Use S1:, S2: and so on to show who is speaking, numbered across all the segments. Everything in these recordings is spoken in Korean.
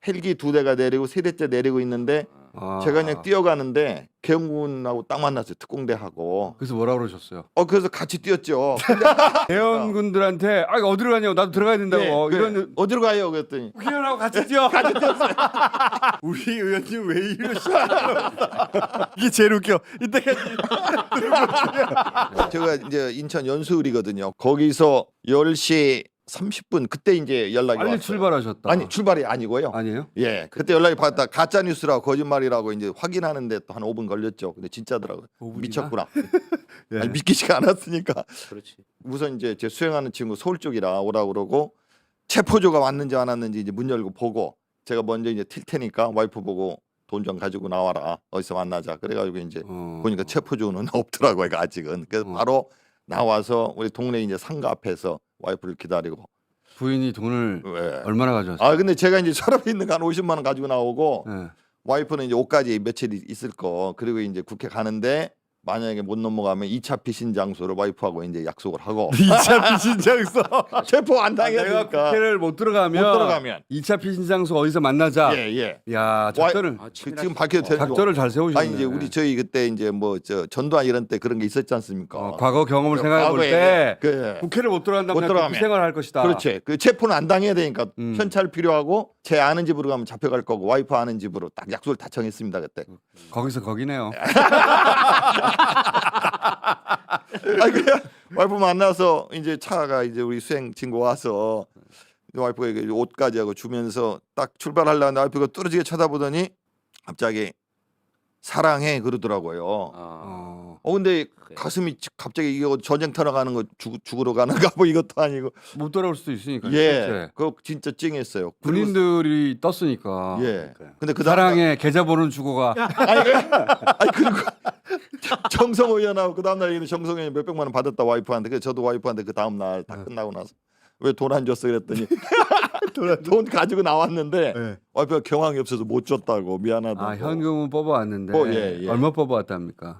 S1: 헬기 2대가 내리고 3대째 내리고 있는데 제가 그냥 뛰어가는데 계엄군하고 딱 만났어요. 특공대하고.
S2: 그래서 뭐라 그러셨어요?
S1: 그래서 같이 뛰었죠.
S2: 대원군들한테 어디로 가냐고 나도 들어가야 된다고
S1: 네,
S2: 이런
S1: 어디로 가요? 그랬더니
S2: 국회의원하고 같이 뛰어. 우리 의원님 왜 이러시죠? 이게 제일 웃겨. 이때까지
S1: 제가 이제 인천 연수을이거든요. 거기서 10시 30분 그때 이제 연락이
S2: 빨리
S1: 왔어요.
S2: 출발하셨다.
S1: 아니 출발이 아니고요.
S2: 아니에요?
S1: 예, 그때 연락이 받았다. 가짜 뉴스라고 거짓말이라고 이제 확인하는데 또 한 5분 걸렸죠. 근데 진짜더라고요.
S2: 5분이나?
S1: 미쳤구나.
S2: 예.
S1: 아니, 믿기지가 않았으니까.
S3: 그렇지.
S1: 우선 이제 제 수행하는 친구 서울 쪽이라 오라고 그러고 체포조가 왔는지 안 왔는지 이제 문 열고 보고 제가 먼저 이제 튈 테니까 와이프 보고 돈 좀 가지고 나와라. 어디서 만나자. 그래가지고 이제 보니까 체포조는 없더라고요. 아직은. 그래서 바로 나와서 우리 동네 이제 상가 앞에서 와이프를 기다리고.
S2: 부인이 돈을
S1: 예.
S2: 얼마나 가져왔어요?
S1: 아 근데 제가 이제 서랍에 있는 거 한 50만 원 가지고 나오고
S2: 예.
S1: 와이프는 이제 옷까지 며칠 있을 거. 그리고 이제 국회 가는데 만약에 못 넘어가면 2차 피신 장소를 와이프하고 이제 약속을 하고
S2: 2차 피신장소.
S1: 체포 안
S2: 내가
S1: 당해니까
S2: 국회를 못 들어가면 2차 피신장소 어디서 만나자.
S1: 예.
S2: 야, 작전을
S1: 지금 밝혀도 되는 거.
S2: 작전을 잘 세우셨네.
S1: 아니 이제 우리 저희 그때 이제 뭐 저 전두환 이런 때 그런 게 있었지 않습니까?
S2: 과거 경험을 생각해 볼
S1: 과거에
S2: 때
S1: 그
S2: 국회를 못 들어간다면
S1: 못 들어가면.
S2: 생활을 할 것이다.
S1: 그렇지. 그 체포는 안 당해야 되니까 현찰 필요하고 제 아는 집으로 가면 잡혀갈 거고 와이프 아는 집으로 딱 약속을 다 정했습니다 그때.
S2: 거기서 거기네요.
S1: 그냥 와이프 만나서 이제 차가 이제 우리 수행 친구 와서 와이프가 이게 옷까지 하고 주면서 딱 출발하려는데 와이프가 뚫어지게 쳐다보더니 갑자기 사랑해 그러더라고요. 근데 가슴이 갑자기 이거 전쟁터로 가는 거 죽으러 가는가 뭐 이것도 아니고
S2: 못 돌아올 수도 있으니까.
S1: 예, 그거 진짜 찡했어요.
S2: 군인들이 떴으니까.
S1: 예. 근데 그
S2: 사랑의 계좌번호는 주고 가.
S1: 아니 그리고 정성호 의원하고 그 다음 날 얘기는 정성호 의원이 몇백만 원 받았다 와이프한테. 그래서 저도 와이프한테 그 다음 날 다 끝나고 나서 왜 돈 안 줬어 그랬더니 돈 가지고 나왔는데
S2: 네.
S1: 와이프가 경황이 없어서 못 줬다고 미안하다고.
S2: 아 현금은 뽑아왔는데
S1: 예.
S2: 얼마 뽑아왔답니까?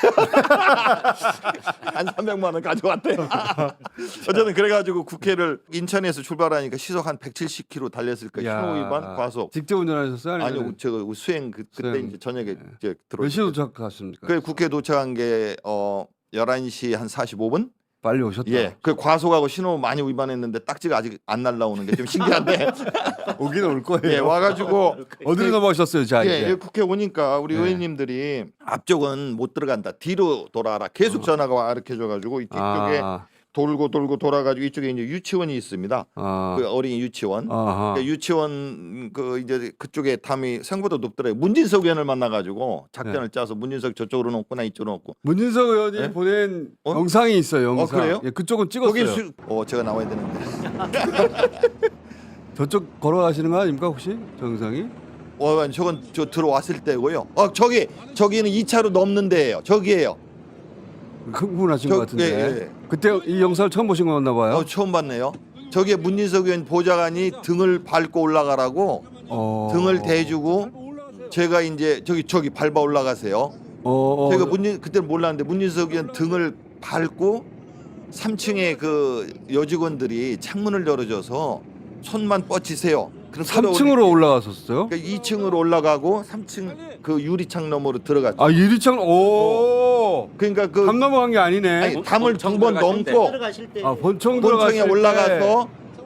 S1: 한 300만 원 가져왔대요. 어쨌든 그래가지고 국회를 인천에서 출발하니까 시속 한 170km 달렸을 거예요. 신호 위반 과속.
S2: 직접 운전하셨어요?
S1: 아니요, 제가 수행 그때
S2: 수행.
S1: 이제 저녁에 이제 들어.
S2: 몇 시에 도착하셨습니까?
S1: 그 국회 도착한 게 11시 한 45분.
S2: 빨리 오셨다.
S1: 예, 그 과속하고 신호 많이 위반했는데 딱지가 아직 안 날라오는 게 좀 신기한데.
S2: 오기는 올 거예요.
S1: 예, 와가지고
S2: 어디로 넘어가셨어요, 자
S1: 예,
S2: 이제?
S1: 국회 오니까 우리 의원님들이 앞쪽은 못 들어간다. 뒤로 돌아라. 계속 전화가 와 이렇게 줘가지고 이쪽에 돌고 돌아가지고 이쪽에 이제 유치원이 있습니다. 그 어린이 유치원. 그 유치원 그 이제 그쪽에 담이 생각보다 높더라고요. 문진석 의원을 만나가지고 작전을 짜서 문진석 저쪽으로 놓거나 이쪽으로 놓고.
S2: 문진석 의원이
S1: 예?
S2: 보낸 영상이 있어요. 영상.
S1: 그래요?
S2: 예, 그쪽은 찍었어요.
S1: 거기 제가 나와야 되는데.
S2: 저쪽 걸어가시는 거 아닙니까 혹시 저 영상이?
S1: 저건 저 들어왔을 때고요. 저기는 2차로 넘는 데예요. 저기예요.
S2: 흥분하신 것 같은데.
S1: 예.
S2: 그때 이 영상을 처음 보신 거였나 봐요.
S1: 처음 봤네요. 저기에 문진석 의원 보좌관이 등을 밟고 올라가라고 등을 대주고 제가 이제 저기 밟아 올라가세요. 제가 그때 몰랐는데 문진석 의원 등을 밟고 3층에 그 여직원들이 창문을 열어줘서 손만 뻗치세요. 그럼
S2: 3층으로 올라갔었어요?
S1: 그러니까 2층으로 올라가고 3층 그 유리창 너머로 들어갔죠.
S2: 아 유리창
S1: 그러니까 그
S2: 담 넘어간 게 아니네.
S1: 아니, 담을 2번 넘고
S2: 본청에
S1: 본청에 올라가서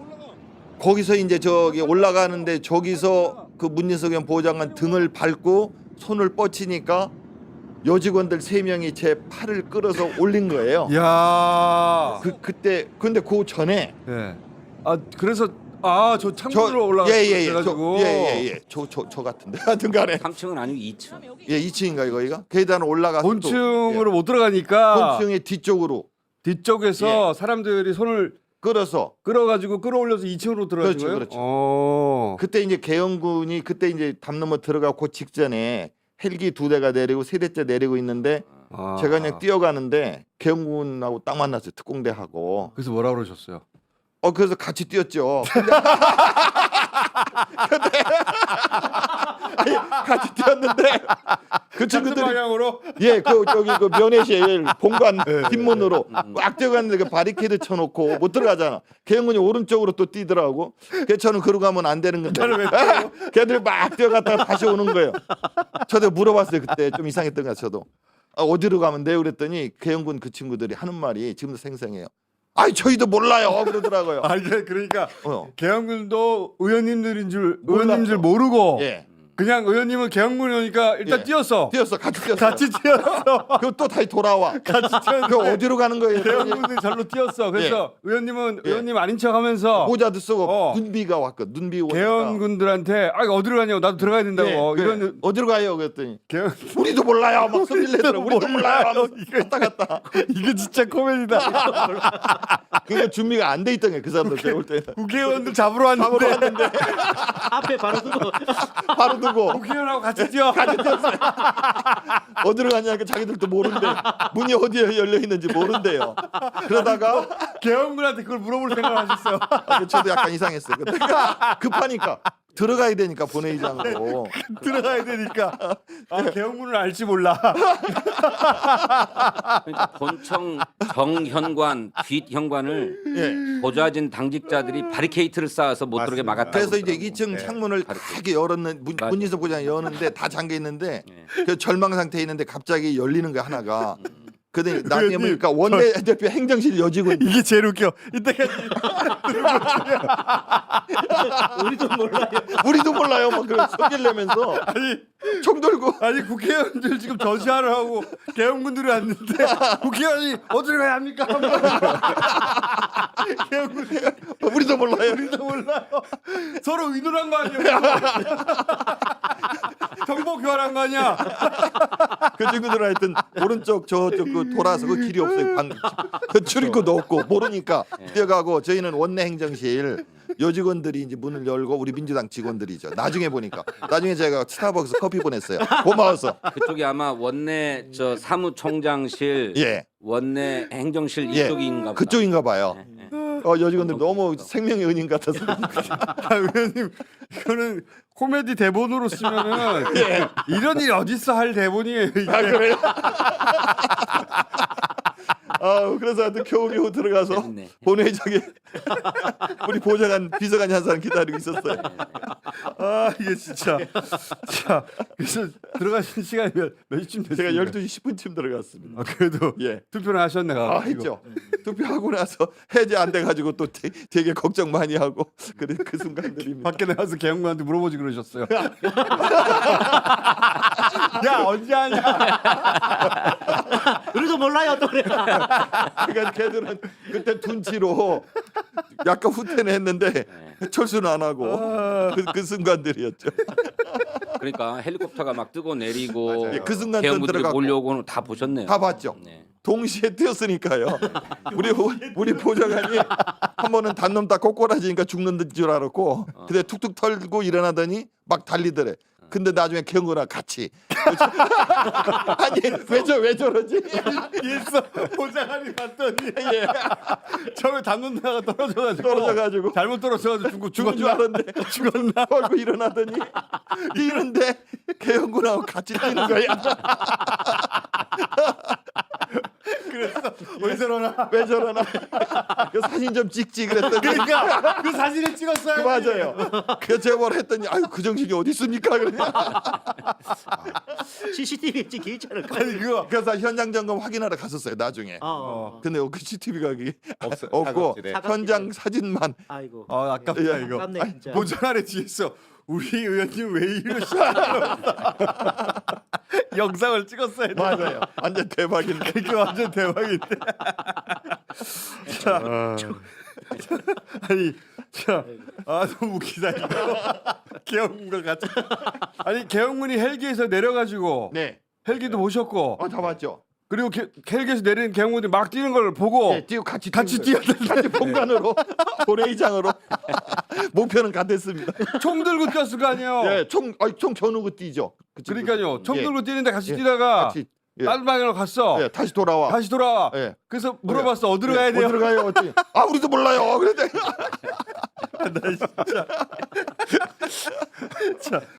S1: 거기서 이제 저기 올라가는데 저기서 그 문진석 의원 보좌관 등을 밟고 손을 뻗치니까 여직원들 3명이 제 팔을 끌어서 올린 거예요.
S2: 야.
S1: 그때 근데 그 전에
S2: 예. 그래서 저 창문으로 올라가가지고
S1: 예예예 저 같은데 하여튼간에
S3: 3층은 아니고 2층.
S1: 예 2층인가 거기가 계단을 올라가서
S2: 본층으로 못 들어가니까
S1: 본층의
S2: 뒤쪽에서 사람들이 손을 끌어가지고 끌어올려서 2층으로 들어가는 거예요.
S1: 그렇죠. 그때 이제 계엄군이 그때 이제 담 넘어 들어가고 직전에 헬기 2대가 내리고 3대째 내리고 있는데 제가 그냥 뛰어가는데 계엄군하고 딱 만났어요. 특공대하고.
S2: 그래서 뭐라 그러셨어요?
S1: 그래서 같이 뛰었죠. 아니, 같이 뛰었는데 그
S2: 같은
S1: 친구들이
S2: 방향으로
S1: 예, 그 저기 그 면회실 본관 뒷문으로 꽉 뛰어갔는데 그 바리케이드 쳐놓고 못 들어가잖아. 개영군이 오른쪽으로 또 뛰더라고. 그래서 저는 그러고 가면 안 되는 건데. 걔들 막 뛰어갔다가 다시 오는 거예요. 저도 물어봤어요 그때 좀 이상했던 것 같아요. 저도 어디로 가면 돼요? 그랬더니 개영군 그 친구들이 하는 말이 지금도 생생해요. 아이 저희도 몰라요 그러더라고요.
S2: 아니 그러니까
S1: 어.
S2: 개헌군도 의원님들인 줄
S1: 몰랐어.
S2: 의원님 줄 모르고
S1: 예,
S2: 그냥 의원님은 개헌군이 오니까 일단
S1: 예.
S2: 뛰었어.
S1: 뛰었어, 같이 뛰었어.
S2: 같이 뛰었어.
S1: 그리고 또 다시 돌아와.
S2: 같이
S1: 그
S2: 뛰었는데
S1: 어디로 가는 거예요?
S2: 개헌군이 절로 뛰었어. 그래서 의원님은
S1: 예.
S2: 의원님 아닌 척하면서
S1: 모자도 쓰고
S2: 어.
S1: 눈비가 왔거든. 눈비 오니까.
S2: 개헌군들한테 아 어디로 가냐고 나도 들어가야 된다고
S1: 예, 그래.
S2: 이런
S1: 어디로 가요? 그랬더니
S2: 개헌
S1: 우리도 몰라요. 막 소리를 내더라. 우리도 몰라요. 하면서
S2: 이거
S1: 갔다.
S2: 이게 진짜 코미디다.
S1: 그게 준비가 안 돼 있던 거예요. 그 사람들 배울 때는.
S2: 국회의원들 잡으러 왔는데
S3: 앞에 바로 두고
S1: 바로 두고
S2: 국회의원하고 같이 뛰어.
S1: 어디로 가냐니까 자기들도 모른대. 문이 어디에 열려 있는지 모른대요. 그러다가
S2: 개헌군한테 그걸 물어볼 생각을 하셨어요.
S1: 저도 약간 이상했어요. 그때 급하니까 들어가야 되니까 본회의장으로.
S2: 들어가야 되니까 아 개헌군을 알지 몰라.
S4: 그러니까 본청 정현관 뒷현관을
S1: 예.
S4: 보좌진 당직자들이 바리케이트를 쌓아서 못 들어오게
S2: 맞습니다.
S4: 막았다.
S1: 그래서 이제 2층 창문을 크게 열었는
S4: 맞아.
S1: 문진석 부장이 여는데 다 잠겨 있는데
S4: 예.
S1: 그 절망 상태에 있는데 갑자기 열리는 거 하나가. 근데 나중에 보니까 원내대표 행정실 여직원
S2: 이게 제일 웃겨. 이때까지
S3: 우리도 몰라요.
S1: 우리도 몰라요. 막 그런 소리를 내면서 총 들고
S2: 아니 국회의원들 지금 전시하러 하고 개헌군들이 왔는데 국회의원이 어디로 가야 합니까? 개헌군
S1: 우리도 몰라요.
S2: 우리도 몰라요. 서로 의논한 거 아니야? 정보 교환한 거 아니야?
S1: 그 친구들은 하여튼 오른쪽 저쪽 그 돌아서 그 길이 없어요. 그 출입구도 없고 모르니까 뛰어가고 저희는 원내 행정실 여직원들이 이제 문을 열고 우리 민주당 직원들이죠. 나중에 보니까 나중에 제가 스타벅스 커피 보냈어요. 고마워서.
S4: 그쪽이 아마 원내 저 사무총장실,
S1: 예.
S4: 원내 행정실
S1: 예.
S4: 이쪽인가 보다.
S1: 그쪽인가 봐요.
S4: 예, 예.
S1: 여직원들 너무 생명의 은인 같아서.
S2: 아, 의원님 이거는 코미디 대본으로 쓰면은 이런 일이 어딨어 할 대본이에요. 이게.
S1: 아 그래요? 그래서 하여튼 겨우겨우 들어가서
S4: 재밌네.
S1: 본회의장에 우리 보좌관 비서관이 한 사람 기다리고 있었어요.
S2: 아 이게 진짜 자 그래서 들어가신 시간이 몇 시쯤 됐어요?
S1: 제가 12시 10분쯤 들어갔습니다.
S2: 아, 그래도
S1: 예.
S2: 투표를 하셨네.
S1: 했죠. 투표하고 나서 해제 안 돼가지고 또 되게 걱정 많이 하고 그래 그 순간들입니다.
S2: 밖에 나가서 개혁관한테 물어보지 그러셨어요. 야 언제 하냐?
S3: 우리도 몰라요 또 그래.
S1: 그러니까 걔들은 그때 둔치로 약간 후퇴는 했는데 철수는 안 하고 그 순간들이었죠.
S4: 그러니까 헬리콥터가 막 뜨고 내리고
S1: 맞아요. 그 순간
S4: 개헌군들이
S1: 들어갔고.
S4: 몰려오고는 다 보셨네요.
S1: 다 봤죠.
S4: 네.
S1: 동시에 뛰었으니까요. 우리 보좌관이 한 번은 단놈 다 꼬꼬라지니까 죽는 줄 알았고, 근데 툭툭 털고 일어나더니 막 달리더래. 근데 나중에 경거랑 같이 아니 왜 저러지?
S2: 뒤에서 보좌관이 봤더니
S1: 예,
S2: 처음에 담론다가
S1: 떨어져가지고
S2: 잘못 떨어져가지고
S1: 죽은 줄 알았는데
S2: 죽었나?
S1: 털고 일어나더니 뛰는데 개영군하고 같이 뛰는 거야.
S2: 그래서 왜 저러나?
S1: 왜 저러나? 그 사진 좀 찍지 그랬더니
S2: 그러니까 그 사진을 찍었어요.
S1: 맞아요. 그 제보를 했더니 아유 그 정신이 어디 있습니까? 그래.
S3: CCTV에 찍혀 있지 않을까?
S2: 아니 그거
S1: 그래서 현장 점검 확인하러 갔었어요 나중에.
S2: 근데
S1: 근데 그 CCTV가 그게
S2: 없어,
S1: 없고
S2: 사각지대.
S1: 현장 사진만.
S3: 아이고.
S2: 아깝다
S1: 예.
S2: 이거.
S3: 아깝네 진짜.
S2: 보좌관에 뒤에서 우리 의원님 왜 이러시나? 영상을 찍었어야 돼.
S1: 맞아요. 완전 대박인데.
S2: 이게 완전 대박인데. 자, 아니, 너무 웃기다 이거. 개혁문과 같이. 아니 개혁문이 헬기에서 내려가지고
S1: 네.
S2: 헬기도 보셨고
S1: 다 봤죠.
S2: 그리고 헬기에서 내리는 개혁문이 막 뛰는 걸 보고
S1: 네, 뛰고 같이
S2: 뛰었는데
S1: 같이 본관으로 본회의장으로 목표는 같았습니다.
S2: 총 들고 뛰었을 거 아니에요.
S1: 예, 총 겨누고 뛰죠. 그 친구들.
S2: 그러니까요. 총
S1: 예,
S2: 들고 뛰는데 같이
S1: 예,
S2: 뛰다가
S1: 같이 예,
S2: 다른 방향으로 갔어.
S1: 예, 다시 돌아와.
S2: 다시 돌아와.
S1: 예.
S2: 그래서 물어봤어. 어디로 가야 돼요?
S1: 어디로 가요? 어디? 우리도 몰라요. 그런데
S2: 나 진짜. 자,